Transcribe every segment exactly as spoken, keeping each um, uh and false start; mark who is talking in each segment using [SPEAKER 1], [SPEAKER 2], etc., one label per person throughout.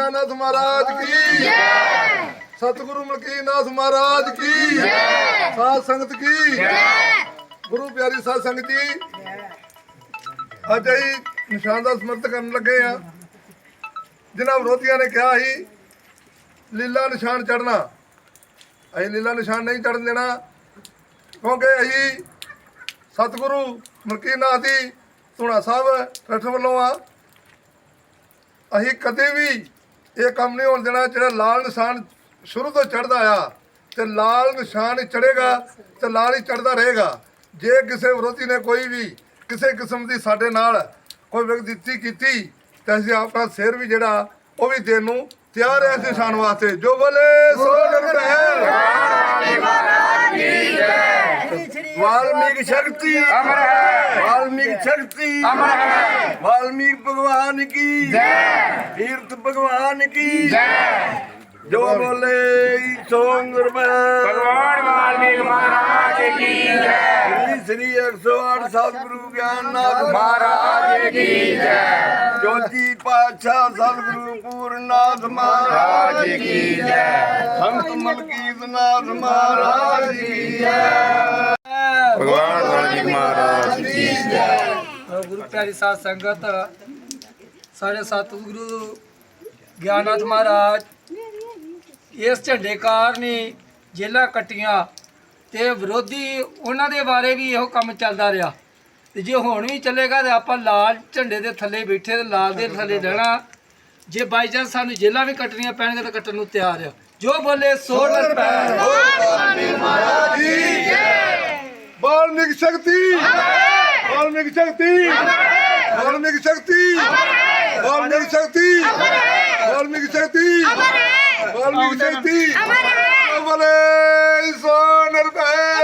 [SPEAKER 1] निशानाथ महाराज की जय, सतगुरु मलकीनाथ महाराज की जय, साध संगत की जय, गुरु प्यारी साध संगत जी। अज अही निशान का समर्थ करन लगे आ। जिन्हां विरोधियों ने कहा ही लीला निशान चढ़ना, अही लीला निशान नहीं चढ़न देना, क्योंकि अही सतगुरु मलकीनाथ जी धूना साहब ट्रस्ट वालों आ। अही कदे भी ये काम नहीं होने देना। जो लाल निशान शुरू तो चढ़ता आया तो लाल निशान ही चढ़ेगा तो लाल ही चढ़ता रहेगा। जे किसी विरोधी ने कोई भी किसी किस्म की साडे नाल कोई विगदती की तो असीं अपना सिर भी जिहड़ा वो भी देण नूं तैयार है इस निशान वास्ते। जो बोले सो निरभैर वाल्मीकि शक्ति अमर है, वाल्मीकि शक्ति अमर है, वाल्मीकि भगवान की जय, तीर्थ भगवान की जय। जो बोले सो निरभैर
[SPEAKER 2] भगवान वाल्मीकि महाराज की जय,
[SPEAKER 1] श्री श्री एक सौ आठ सतगुरु ज्ञाननाथ
[SPEAKER 2] महाराज की जय,
[SPEAKER 1] ज्योति पातशाह सतगुरु पूर्णनाथ महाराज की जय, संत मलकीनाथ महाराज की जय,
[SPEAKER 2] भगवान वाल्मीकि महाराज की जय।
[SPEAKER 3] गुरु प्यारी साध संगत साढ़े सतगुरु ज्ञाननाथ महाराज इस झंडे कारण ही जेलां कट्टियां ते विरोधी उन्हां दे बारे भी इहो काम चलदा रहा। ते जे हुण भी चलेगा तो आपां लाल झंडे दे थल्ले बैठे ते लाल दे थल्ले रहना। जे बाई चांस सानूं जेलां भी कट्टणियां पैणगीਆਂ तो कट्टण नूं तैयार आ। जो बोले सो निरभैर
[SPEAKER 1] महाराज की जय। वाल्मीकि शक्ति वाल्मीकि शक्ति वाल्मीकि शक्ति वाल्मीकि शक्ति वाल्मीकि शक्ति वाल्मीकि शक्ति बोले सो निरभैर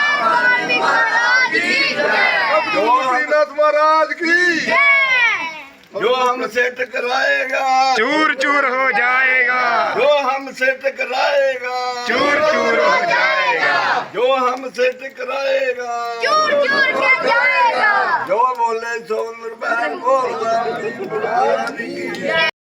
[SPEAKER 1] मलकीनाथ महाराज की। जो हमसे टकराएगा
[SPEAKER 2] चूर चूर हो जाएगा,
[SPEAKER 1] जो हमसे टकराएगा
[SPEAKER 2] चूर चूर हो जाएगा,
[SPEAKER 1] जो हमसे टकराएगा
[SPEAKER 4] चूर चूर के जाएगा।
[SPEAKER 1] जो बोले सो निरभैर बोल